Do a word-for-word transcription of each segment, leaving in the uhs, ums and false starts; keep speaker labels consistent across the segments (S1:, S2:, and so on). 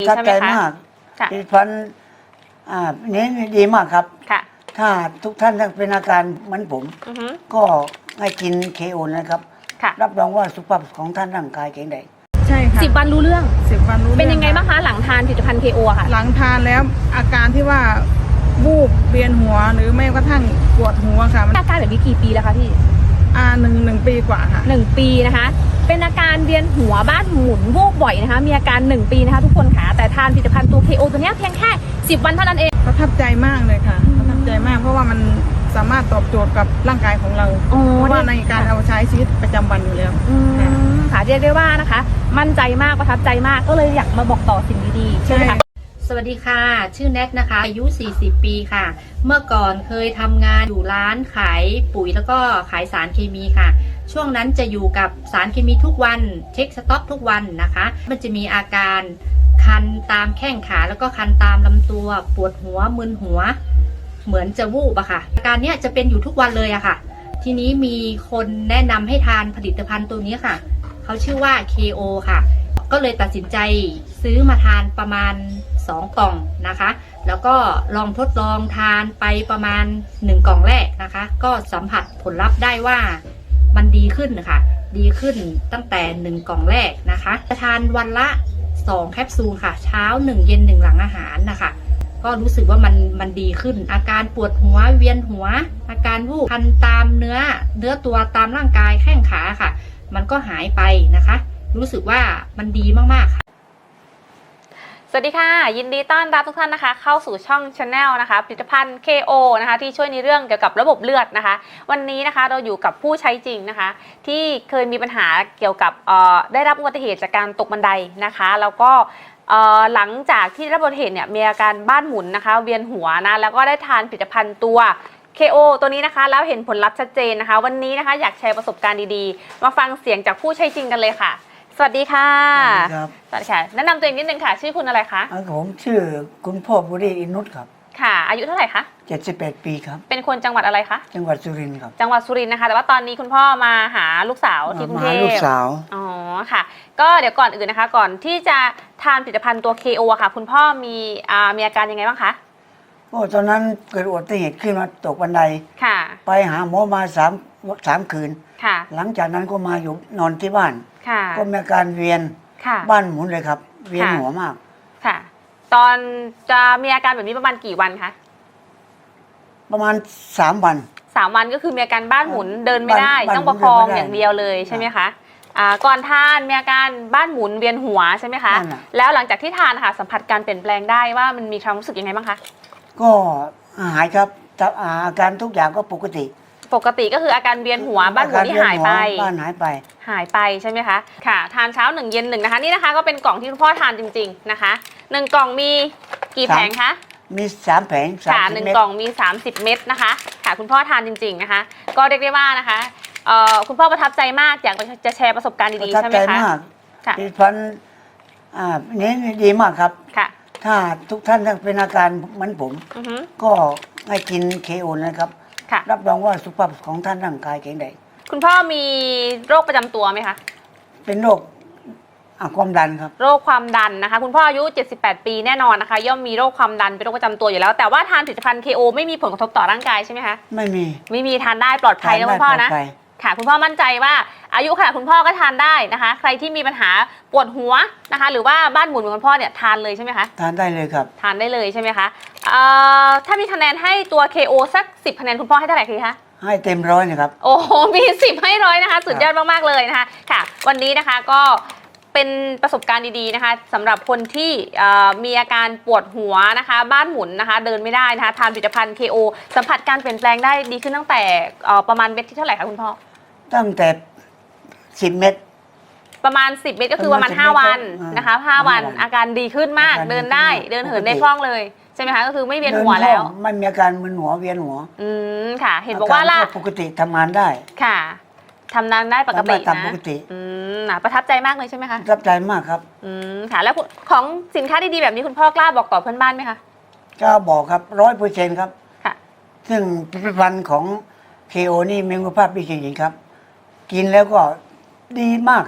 S1: ประทับใจมากผลิตภัณฑ์อ่านี้ดีมากครับถ้าทุกท่านเป็นอาการเหมือนผมก็ให้กินเคโอนะครับรับรองว่าสุขภาพของท่านร่างกายแข็งแรง
S2: ใช่ค่ะ
S3: สิบวันรู้เรื่อง
S2: สิบวันรู้เรื่อง
S3: เป็นยังไงบ้างคะหลังทานผลิตภัณฑ์เคโอค่ะ
S2: หลังทานแล้วอาการที่ว่าวูบเวียนหัวหรือไม่กระทั่งปวดหัวค่ะ
S3: อาการแบบนี้กี่ปีแล้วคะพี่
S2: อ่าหนึ่งหนึ่งปีกว่าค่ะ
S3: หนึ่งปีนะคะเป็นอาการเวียนหัวบ้านหมุนวูบบ่อยนะคะมีอาการหนึ่งปีนะคะทุกคนค่ะแต่ทานผลิตภัณฑ์ตัว เค โอ ตัวนี้เพียงแค่สิบวันเท่านั้นเอง
S2: ประทับใจมากเลยค่ะประทับใจมากเพราะว่ามันสามารถตอบโจทย์กับร่างกายของเราเพราะว่าในการเอาใช้ชีวิตประจำวันอยู่แล้ว
S3: ค่ะเรียกได้ว่านะคะมั่นใจมากประทับใจมากก็เลยอยากมาบอกต่อสิ่งดีๆใช่ไหมคะ
S4: สวัสดีค่ะชื่อแนทนะคะอายุสี่สิบปีค่ะเมื่อก่อนเคยทำงานอยู่ร้านขายปุ๋ยแล้วก็ขายสารเคมีค่ะช่วงนั้นจะอยู่กับสารเคมีทุกวันเช็คสต็อกทุกวันนะคะมันจะมีอาการคันตามแข้งขาแล้วก็คันตามลำตัวปวดหัวมึนหัวเหมือนจะวูบอะค่ะอาการเนี้ยจะเป็นอยู่ทุกวันเลยอะค่ะทีนี้มีคนแนะนำให้ทานผลิตภัณฑ์ตัวนี้ค่ะเขาชื่อว่า เค โอ ค่ะก็เลยตัดสินใจซื้อมาทานประมาณสองกล่องนะคะแล้วก็ลองทดลองทานไปประมาณหนึ่งกล่องแรกนะคะก็สัมผัสผลลัพธ์ได้ว่ามันดีขึ้นนะคะดีขึ้นตั้งแต่หนึ่งกล่องแรกนะคะจะทานวันละสองแคปซูลค่ะเช้าหนึ่งเย็นหนึ่งหลังอาหารนะคะก็รู้สึกว่ามันมันดีขึ้นอาการปวดหัวเวียนหัวอาการวูบคันตามเนื้อเนื้อตัวตามร่างกายแข้งขาค่ะมันก็หายไปนะคะรู้สึกว่ามันดีมากๆค่ะ
S3: สวัสดีค่ะยินดีต้อนรับทุกท่านนะคะเข้าสู่ช่อง Channel นะคะผลิตภัณฑ์ เค โอ นะคะที่ช่วยในเรื่องเกี่ยวกับระบบเลือดนะคะวันนี้นะคะเราอยู่กับผู้ใช้จริงนะคะที่เคยมีปัญหาเกี่ยวกับได้รับอุบัติเหตุจากการตกบันไดนะคะแล้วก็หลังจากที่ได้รับอุบัติเหตุเนี่ยมีอาการบ้านหมุนนะคะเวียนหัวนะแล้วก็ได้ทานผลิตภัณฑ์ตัว เค โอ ตัวนี้นะคะแล้วเห็นผลลัพธ์ชัดเจนนะคะวันนี้นะคะอยากแชร์ประสบการณ์ดีๆมาฟังเสียงจากผู้ใช้จริงกันเลยค่ะสวัสดีค่ะ
S1: สวัสดีครับ
S3: สวัสดีค่ะแนะนำตัวเองนิดนึงค่ะชื่อคุณอะไรคะ
S1: ผมชื่อคุณพ่อบุรีอินุตครับ
S3: ค่ะอายุเท่าไหร่คะ
S1: เจ็ดสิบแปดปีครับ
S3: เป็นคนจังหวัดอะไรคะ
S1: จังหวัดสุรินทร์ครับ
S3: จังหวัดสุรินทร์นะคะแต่ว่าตอนนี้คุณพ่อมาหาลูกสาวที่กรุงเทพ
S1: มาลูกสาว
S3: อ๋อค่ะก็เดี๋ยวก่อนอื่นนะคะก่อนที่จะทานผลิตภัณฑ์ตัว เค โอ ค่ะคุณพ่อมีอ่ามีอาการยังไงบ้างคะ
S1: โอ้ตอนนั้นเกิดอุบัติเหตุขึ้นมาตกบันได
S3: ค่ะ
S1: ไปหาหมอมาสามสามคืน
S3: ค่ะ
S1: หลังจากนั้นก็มาอยู่นอนที่บ้าน
S3: ค่ะ
S1: ก็มีอาการเวียนบ้านหมุนเลยครับเวียนหัวมาก
S3: ค่ะตอนจะมีอาการแบบนี้ประมาณกี่วันคะ
S1: ประมาณสามวัน
S3: สามวันก็คือมีอาการบ้านหมุนเดินไม่ได้ต้องประคองอย่างเดียวเลยใช่ไหมคะอ่าก่อนทานมีอาการบ้านหมุนเวียนหัวใช่ไหมคะแล้วหลังจากที่ทานค่ะสัมผัสการเปลี่ยนแปลงได้ว่ามันมีความรู้สึกยังไงบ้างคะ
S1: ก็หายครับอาการทุกอย่างก็ปกติ
S3: ปกติก็คืออาการเวียนหัวบ้านหมุนที่หายไป
S1: บ้านหายไป
S3: หายไปใช่ไหมคะค่ะทานเช้าหนึ่งเย็นหนึ่งนะคะนี่นะคะก็เป็นกล่องที่คุณพ่อทานจริงๆนะคะหนึ่งกล่องมีกี่แผงคะ
S1: มีสามแผง
S3: ค่ะหนึ่งกล่องมีสามสิบเม็ดนะคะค่ะคุณพ่อทานจริงๆนะคะก็เรียกได้ว่านะคะเอ่อคุณพ่อประทับใจมากอยากจะแชร์ประสบการณ์ดีๆใช่ไหมคะ
S1: ประทับใจมากผลิตภัณฑ์อ่านี้ดีมากครับ
S3: ค่ะ
S1: ถ้าทุกท่านเป็นอาการเหมือนผมก็ให้กินเคโอนะครับรับรองว่าสุขภาพของท่านร่างกายแข็งแรง
S3: คุณพ่อมีโรคประจำตัวไหมคะ
S1: เป็นโรคความดันครับ
S3: โรคความดันนะคะคุณพ่ออายุเจ็ดสิบแปดปีแน่นอนนะคะย่อมมีโรคความดันเป็นโรคประจำตัวอยู่แล้วแต่ว่าทานผลิตภัณฑ์ เค โอ ไม่มีผลกระทบต่อร่างกายใช่ไหมคะ
S1: ไม่มี
S3: ไม่มีทานได้ปลอดภัยนะคุณพ่อนะค่ะคุณพ่อมั่นใจว่าอายุขนาดคุณพ่อก็ทานได้นะคะใครที่มีปัญหาปวดหัวนะคะหรือว่าบ้านหมุนเหมือนคุณพ่อเนี่ยทานเลยใช่ไหมคะ
S1: ทานได้เลยครับ
S3: ทานได้เลยใช่ไหมคะถ้ามีคะแนนให้ตัว เค โอ สักสิบคะแนนคุณพ่อให้เท่าไหร่คะ
S1: ให้เต็มร้อยนะครับ
S3: โอ้โหมีสิบให้ร้อยนะคะสุดยอดมากๆเลยนะคะค่ะวันนี้นะคะก็เป็นประสบการณ์ดีๆนะคะสำหรับคนที่มีอาการปวดหัวนะคะบ้านหมุนนะคะเดินไม่ได้นะคะทานผลิตภัณฑ์ เค โอ สัมผัสการเปลี่ยนแปลงได้ดีขึ้นตั้งแต่ประมาณเม็ดที่เท่าไหร่คะคุณพ่อ
S1: ตั้งแต่สิบเม็ด
S3: ประมาณสิบเม็ดก็คือประมาณห้าวันนะคะห้าวันอาการดีขึ้นมากเดินได้เดินเหินได้คล่องเลยใช่ไหมคะก็คือไม่เวียนหัวแล้ว
S1: ไม่มีอาการมึนหัวเวียนหัว
S3: อืมค่ะเห็นบอกว่าล่ะ
S1: ปกติทำงานได้
S3: ค่ะทำงานได้ปกตินะ
S1: ปกติ
S3: อืมประทับใจมากเลยใช่ไหมคะ
S1: ประทับใจมากครับ
S3: อืมค่ะแล้วของสินค้าดีๆแบบนี้คุณพ่อกล้าบอกต่อเพื่อนบ้านไหมคะ
S1: กล้าบอกครับร้อยเปอร์เซ็นต์ครับ
S3: ค่ะ
S1: ซึ่งผลิตภัณฑ์ของ เค โอ นี่มีคุณภาพดีจริงๆครับกินแล้วก็ดีมากครับ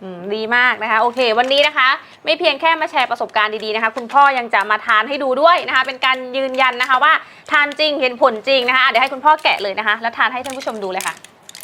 S3: อืมดีมากนะคะโอเควันนี้นะคะไม่เพียงแค่มาแชร์ประสบการณ์ดีๆนะคะคุณพ่อยังจะมาทานให้ดูด้วยนะคะเป็นการยืนยันนะคะว่าทานจริงเห็นผลจริงนะคะเดี๋ยวให้คุณพ่อแกะเลยนะคะแล้วทานให้ท่านผู้ชมดูเลยค่ะ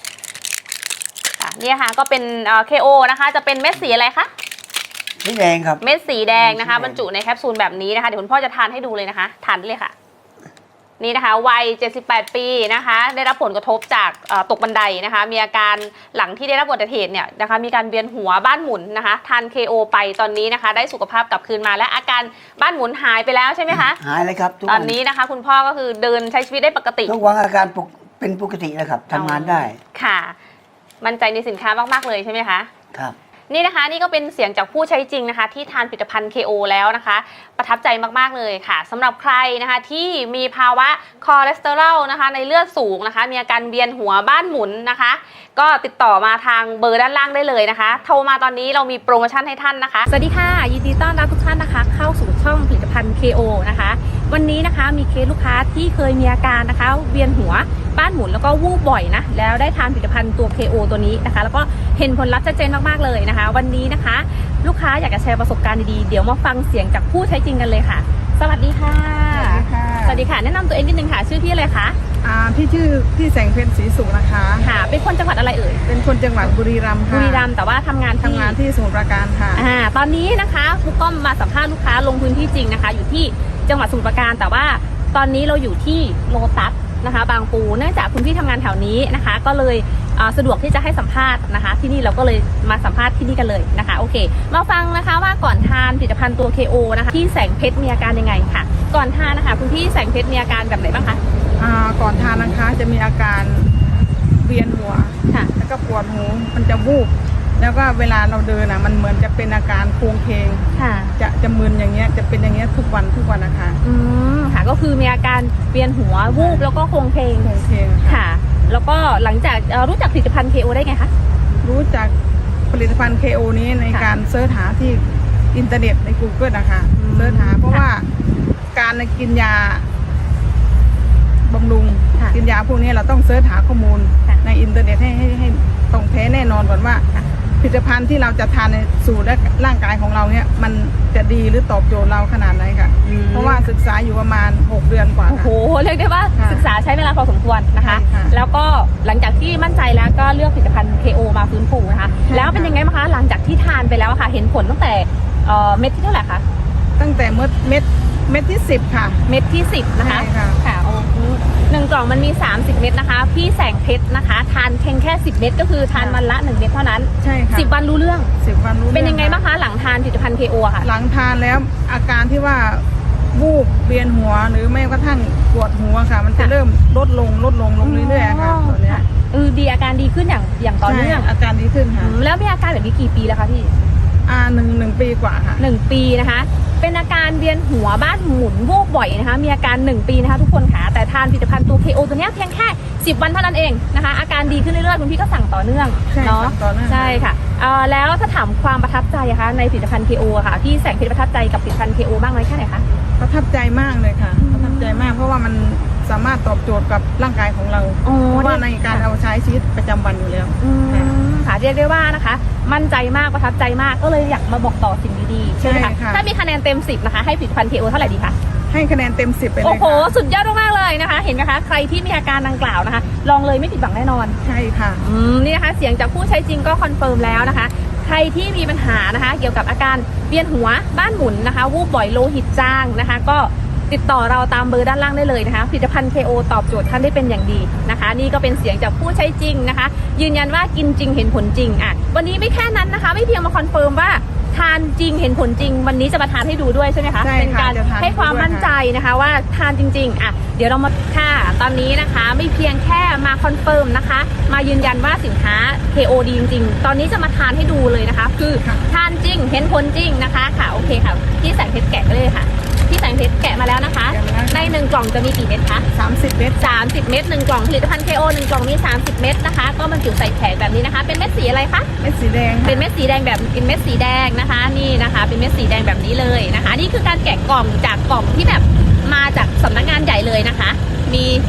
S3: นี่ค่ะก็เป็น เค โอ นะคะจะเป็นเม็ดสีอะไรคะ
S1: สีแดงครับ
S3: เม็ดสีแดงนะคะ
S1: สีแดง
S3: บรรจุในแคปซูลแบบนี้นะคะเดี๋ยวคุณพ่อจะทานให้ดูเลยนะคะทานได้เลยค่ะนี่นะคะวัยเจ็ดสิบแปดปีนะคะได้รับผลกระทบจากตกบันไดนะคะมีอาการหลังที่ได้รับอุบัติเหตุเนี่ยนะคะมีการเวียนหัวบ้านหมุนนะคะทาน เค โอ ไปตอนนี้นะคะได้สุขภาพกลับคืนมาและอาการบ้านหมุนหายไปแล้วใช่ไหมคะ
S1: หายเลยครับทุก
S3: ต
S1: วั
S3: อนนี้นะคะคุณพ่อก็คือเดินใช้ชีวิตได้ปกติ
S1: ทุกวันอาการปกเป็นปกติแล้วครับทำงานได้
S3: ค่ะมั่นใจในสินค้ามากๆเลยใช่ไหมคะ
S1: ครับ
S3: นี่นะคะนี่ก็เป็นเสียงจากผู้ใช้จริงนะคะที่ทานผลิตภัณฑ์ เค โอ แล้วนะคะประทับใจมากๆเลยค่ะสำหรับใครนะคะที่มีภาวะคอเลสเตอรอลนะคะในเลือดสูงนะคะมีอาการเวียนหัวบ้านหมุนนะคะก็ติดต่อมาทางเบอร์ด้านล่างได้เลยนะคะโทรมาตอนนี้เรามีโปรโมชั่นให้ท่านนะคะสวัสดีค่ะยินดีต้อนรับทุกท่านนะคะเข้าสู่ช่องผลิตภัณฑ์ เค โอ นะคะวันนี้นะคะมีเคสลูกค้าที่เคยมีอาการนะคะเวียนหัวบ้านหมุนแล้วก็วูบบ่อยนะแล้วได้ทานผลิตภัณฑ์ตัว เค โอ ตัวนี้นะคะแล้วก็เห็นผลลัพธ์ชัดเจนมากๆเลยนะคะวันนี้นะคะลูกค้าอยากจะแชร์ประสบการณ์ดีๆเดี๋ยวมาฟังเสียงจากผู้ใช้จริงกันเลยค่ะสวัสดีค่ะ
S2: สวัสดีค่ะ
S3: สวัสดีค่ะแนะนำตัวเองนิดนึงค่ะชื่อพี่อะไรคะ
S2: อ่าพี่ชื่อพี่แสงเพ็ญศรีสุขนะคะ
S3: ค่ะเป็นคนจังหวัดอะไรเอ่ย
S2: เป็นคนจังหวัดบุรีรัมย์ค่ะ
S3: บุรีรัมย์แต่ว่าทำงานที่
S2: ทำงานที่สมุทรปราการค่ะ
S3: อ่าตอนนี้นะคะครูก้อมมาสัมภาษณ์ลูกค้าลงพื้นที่จริงนะคะ อยู่ที่จังหวัดสมุทรปราการแต่ว่าตอนนี้เราอยู่ที่โลตัสนะคะบางปูเนื่องจากคุณพี่ทำงานแถวนี้นะคะ ก็เลยสะดวกที่จะให้สัมภาษณ์นะคะ ที่นี่เราก็เลยมาสัมภาษณ์ที่นี่กันเลยนะคะโอเคมาฟังนะคะว่าก่อนทานผลิตภัณฑ์ตัว เค โอ นะคะที่แสงเพชรมีอาการยังไงค่ะก่อนทานนะคะคุณพี่แสงเพชรมีอาการแบบไหนบ้างคะ
S2: อ่าก่อนทานนะคะจะมีอาการเวียนหัว
S3: ค่ะ
S2: แล้วก็ปวดหูมันจะวูบแล้วก็เวลาเราเดินอ่ะมันเหมือนจะเป็นอาการโครงเคง
S3: ค่ะ
S2: จะจะมึนอย่างเงี้ยจะเป็นอย่างเงี้ยทุกวันทุกวันนะคะ
S3: อืมค่ะก็คือมีอาการเวียนหัววูบแล้วก็โคลงเพลง
S2: โครงเคงค่ะ
S3: ค่ะ แล้วก็หลังจากเอ่อรู้จักผลิตภัณฑ์ เค โอ ได้ไงคะ
S2: รู้จักผลิตภัณฑ์ เค โอ นี้ใน
S3: ค่ะ
S2: การเสิร์ชหาที่อินเทอร์เน็ตใน Google นะคะ
S3: อืม
S2: เสิร์ชหาเพราะว่าการกินยาบำรุง
S3: ค่ะ
S2: กินยาพวกนี้เราต้องเสิร์ชหาข้อมูล
S3: ค่ะ
S2: ในอินเทอร์เน็ตให้ให้ให้ตรงแท้แน่นอนก่อนว่า
S3: ค่ะ
S2: ผลิตภัณฑ์ที่เราจะทานในสู่และร่างกายของเราเนี่ยมันจะดีหรือตอบโจทย์เราขนาดไหนค่ะ
S3: อืม
S2: เพราะว่าศึกษาอยู่ประมาณหกเดือนกว่า
S3: โอ้โห
S2: ค่ะ
S3: เรียกได้ว่า
S2: ค่ะ
S3: ศึกษาใช้เวลาพอสมควรนะคะ
S2: ใช่ค่ะ
S3: แล้วก็หลังจากที่มั่นใจแล้วก็เลือกผลิตภัณฑ์ เค โอ มาฟื้นฟูนะคะ
S2: ใช่
S3: แล้วเป็นยังไงบ้างคะหลังจากที่ทานไปแล้วอะค่ะ เห็นผลตั้งแต่เอ่อเม็ดที่เท่าไหร่คะ
S2: ตั้งแต่เม็ดเม็ดเม็ดที่สิบค่ะ
S3: เม็ดที่สิบนะคะ
S2: ใช่ค่ะ
S3: ค่ะโอ้โหหนึ่งกล่องมันมีสามสิบเม็ดนะคะพี่แสงเพชรนะคะทานเพียงแค่สิบเม็ดก็คือทานวันละหนึ่งเม็ดเท่านั้น
S2: ใช่ค่ะ
S3: สิบวันรู้เรื่อง
S2: สิบวันรู้
S3: เป็นยังไง
S2: รื่อ
S3: บ้างคะหลังทานผลิตภัณฑ์ เค โอ อะค่ะ
S2: หลังทานแล้วอาการที่ว่าวูบเวียนหัวหรือไม่กระทั่งปวดหัวค่ะ มันจะ
S3: ค่ะ
S2: เริ่มลดลงลดลงลงเรื่อยๆค่ะตอนเนี้ย
S3: เออดีอาการดีขึ้นอย่างอย่างต่อเนื่อง
S2: ใช่อาการดีขึ้น
S3: อื
S2: ค่ะ
S3: มแล้วมีอาการแบบนี้กี่ปีแล้วคะพี่
S2: อ่าหนึ่งหนึ่งปีกว่าค่ะ
S3: หนึ่งปีนะคะ เป็นอาการเวียนหัวบ้านหมุนวูบบ่อยนะคะ มีอาการหนึ่งปีนะคะทุกคนค่ะ แต่ทานผลิตภัณฑ์ตัว เค โอ ตัวเนี้ยเพียงแค่สิบวันเท่านั้นเองนะคะ อาการดีขึ้นเรื่อยๆคุณพี่ก็สั่งต่อเนื่อง
S2: ใช่
S3: เนาะ
S2: สั่งต่อเนื่อง
S3: ใช่ค่ะเอ่อแล้วถ้าถามความประทับใจอะคะในผลิตภัณฑ์ เค โอ อะค่ะพี่แสงเพชรประทับใจกับผลิตภัณฑ์ เค โอ บ้างไหมแค่ไหนคะ
S2: ประทับใจมากเลยค่ะ ประทับใจมากเพราะว่ามันสามารถตอบโจทย์กับร่างกายของเรา
S3: โอ้
S2: เพราะว่าใน
S3: ดี
S2: การเอาใช้ชีวิตประจำวันอยู่แล้ว
S3: อืมค่ะเรียกได้ว่านะคะ มั่นใจมากประทับใจมากก็เลยอยากมาบอกต่อสิ่งดีๆใช่ไหม
S2: ใช่
S3: คะ
S2: ค่ะ
S3: ถ้ามีคะแนนเต็มสิบนะคะให้ผลิตภัณฑ์ เค โอ เท่าไหร่ดีคะ
S2: ให้คะแนนเต็มสิบไปเลย
S3: โอ้โห
S2: ค่ะ
S3: สุดยอดมากๆเลยนะคะ เห็นไหมคะ ใครที่มีอาการดังกล่าวนะคะ ลองเลยไม่ผิดหวังแน่นอน
S2: ใช่ค่ะ
S3: อืม นี่นะคะ เสียงจากผู้ใช้จริงก็คอนเฟิร์มแล้วนะคะ ใครที่มีปัญหานะคะ เกี่ยวกับอาการเวียนหัวบ้านหมุนนะคะ วูบบ่อยโลหิตจางนะคะ ก็ติดต่อเราตามเบอร์ด้านล่างได้เลยนะคะ ผลิตภัณฑ์ เค โอ ตอบโจทย์ท่านได้เป็นอย่างดีนะคะ นี่ก็เป็นเสียงจากผู้ใช้จริงนะคะ ยืนยันว่ากินจริงเห็นผลจริงอ่ะ วันนี้ไม่แค่นั้นนะคะ ไม่เพียงมาคอนเฟิร์มว่าทานจริงเห็นผลจริง วันนี้จะมาทานให้ดูด้วยใช่ไหมคะ
S2: ใช่ค่ะ
S3: เป็นการ
S2: จะทาน
S3: ให้ความ
S2: ให้ดูด้วย
S3: มั่นใจนะคะว่าทานจริงๆอ่ะเดี๋ยวเรามาค่ะตอนนี้นะคะไม่เพียงแค่มาคอนเฟิร์มนะคะ มายืนยันว่าสินค้า เค โอ ดีจริงๆ ตอนนี้จะมาทานให้ดูเลยนะคะ คือ
S2: ค่ะ
S3: ทานจริงเห็นผลจริงนะคะค่ะโอเคค่ะพี่แสงเพชรแกะเลยค่ะพี่แสงเพชรแกะมาแล้วนะคะ
S2: แกะมาแล้ว
S3: ในหนึ่งกล่องจะมีกี่เม็ดคะ
S2: สามสิบเม็ด
S3: สามสิบเม็ดหนึ่งกล่องผลิตภัณฑ์ เค โอ หนึ่งกล่องมีสามสิบเม็ดนะคะก็บรรจุใส่แผงแบบนี้นะคะ เป็นเม็ดสีอะไรคะ
S2: เม็ดสีแดงค่ะ
S3: เป็นเม็ดสีแดงแบบเป็นเม็ดสีแดงนะคะนี่นะคะเป็นเม็ดสีแดงแบบนี้เลยนะคะนี่คือการแกะกล่องจากกล่องที่แบบมาจากสำนักงานใหญ่เลยนะคะ มี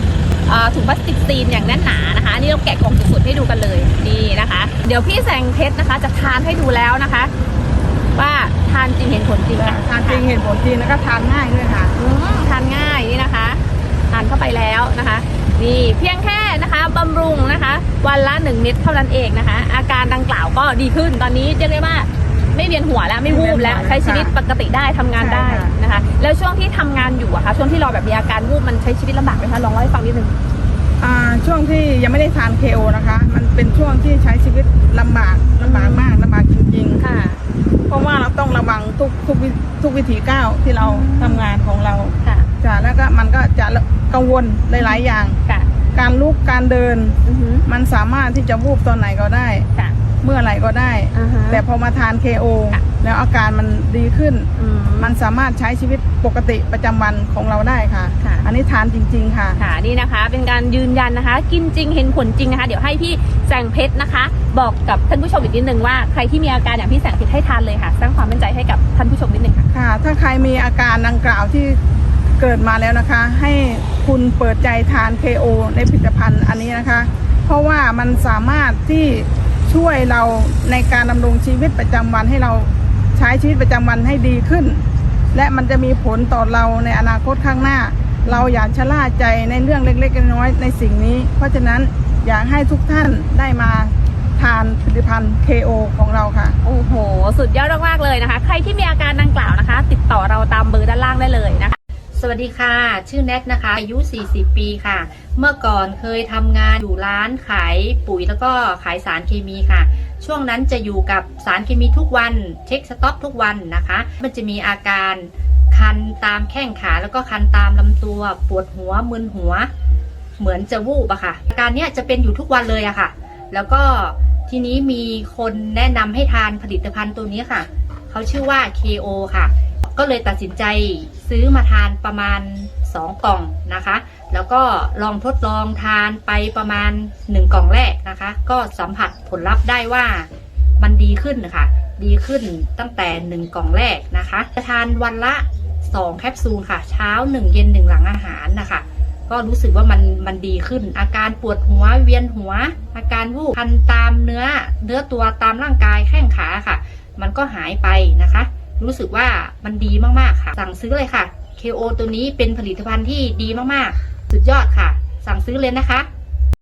S3: เอ่อถุงพลาสติกซีนอย่างแน่นหนานะคะอันนี้เราแกะกล่องสุดๆให้ดูกันเลยนี่นะคะ เดี๋ยวพี่แสงเพชรนะคะจะทานให้ดูแล้วนะคะ ว่าทานจริงเห็นผลจริงค่ะ
S2: ทานจริงเห็นผลจริงแล้วก็ทานง่ายด้วยค่ะ
S3: อืมทานง่ายนี่นะคะทานเข้าไปแล้วนะคะนี่เพียงแค่นะคะบำรุงนะคะวันละหนึ่งเม็ดเท่านั้นเองนะคะ อาการดังกล่าวก็ดีขึ้นตอนนี้เรียกได้ว่าไม่เวียนหัวแล้วไม่วูบแล้วใช้ชีวิตปกติได้ทำงานได้นะคะ แล้วช่วงที่ทำงานอยู่อะคะช่วงที่เราแบบมีอาการวูบมันใช้ชีวิตลำบากไหมคะลองเล่าให้ฟังนิดนึง
S2: อ่าช่วงที่ยังไม่ได้ทาน เค โอ นะคะ มันเป็นช่วงที่ใช้ชีวิตลำบากลำบากมากลำบากจริงๆ
S3: ค่ะ
S2: เพราะว่าเราต้องระวังทุกทุกวิทุกวิถีก้าวที่เราทำงานของเรา
S3: ค่ะ
S2: จ้ะแล้วก็มันก็จะกังวลหลายๆอย่าง
S3: ค่ะ
S2: การลุกการเดิน
S3: อือหือ
S2: มันสามารถที่จะวูบตอนไหนก็ได้
S3: ค่ะ
S2: เมื่อไหร่ก็ได้
S3: อ่าฮะ
S2: แต่พอมาทาน เค โอ
S3: ค่ะ
S2: แล้วอาการมันดีขึ้น
S3: อืม
S2: มันสามารถใช้ชีวิตปกติประจำวันของเราได้ค่ะ
S3: ค่ะ
S2: อันนี้ทานจริง ๆ ค่ะ
S3: ค่ะนี่นะคะเป็นการยืนยันนะคะ กินจริงเห็นผลจริงนะคะ เดี๋ยวให้พี่แสงเพชรนะคะ บอกกับท่านผู้ชมอีกนิดนึงว่าใครที่มีอาการอย่างพี่แสงเพชรให้ทานเลยค่ะสร้างความมั่นใจให้กับท่านผู้ชมนิดนึงค่ะ
S2: ค่ะ ถ้าใครมีอาการดังกล่าวที่เกิดมาแล้วนะคะ ให้คุณเปิดใจทาน เค โอ ในผลิตภัณฑ์อันนี้นะคะ เพราะว่ามันสามารถที่ช่วยเราในการดำรงชีวิตประจำวันให้เราใช้ชีวิตประจำวันให้ดีขึ้น และมันจะมีผลต่อเราในอนาคตข้างหน้า เราอย่าชะล่าใจในเรื่องเล็กๆน้อยๆในสิ่งนี้ เพราะฉะนั้นอยากให้ทุกท่านได้มาทานผลิตภัณฑ์ เค โอ ของเราค่ะ
S3: โอ้โห สุดยอดมากๆเลยนะคะ ใครที่มีอาการดังกล่าวนะคะ ติดต่อเราตามเบอร์ด้านล่างได้เลยนะคะ
S4: สวัสดีค่ะ ชื่อแนทนะคะ อายุ สี่สิบ ปีค่ะ เมื่อก่อนเคยทำงานอยู่ร้านขายปุ๋ยแล้วก็ขายสารเคมีค่ะ ช่วงนั้นจะอยู่กับสารเคมีทุกวัน เช็คสต็อกทุกวันนะคะ มันจะมีอาการคันตามแข้งขาแล้วก็คันตามลำตัว ปวดหัวมึนหัว เหมือนจะวูบอะค่ะ อาการเนี้ยจะเป็นอยู่ทุกวันเลยอะค่ะ แล้วก็ทีนี้มีคนแนะนำให้ทานผลิตภัณฑ์ตัวนี้ค่ะ เขาชื่อว่า เค โอ ค่ะ ก็เลยตัดสินใจซื้อมาทานประมาณสองกล่องนะคะ แล้วก็ลองทดลองทานไปประมาณหนึ่งกล่องแรกนะคะ ก็สัมผัสผลลัพธ์ได้ว่ามันดีขึ้นนะคะดีขึ้นตั้งแต่หนึ่งกล่องแรกนะคะจะทานวันละสองแคปซูลค่ะเช้าหนึ่งเย็นหนึ่งหลังอาหารนะคะก็รู้สึกว่ามันมันดีขึ้น อาการปวดหัวเวียนหัว อาการวูบคันตามเนื้อเนื้อตัวตามร่างกายแข้งขาค่ะ มันก็หายไปนะคะ รู้สึกว่ามันดีมากๆค่ะสั่งซื้อเลยค่ะ เค โอ ตัวนี้เป็นผลิตภัณฑ์ที่ดีมากๆสุดยอดค่ะสั่งซื้อเลยนะคะ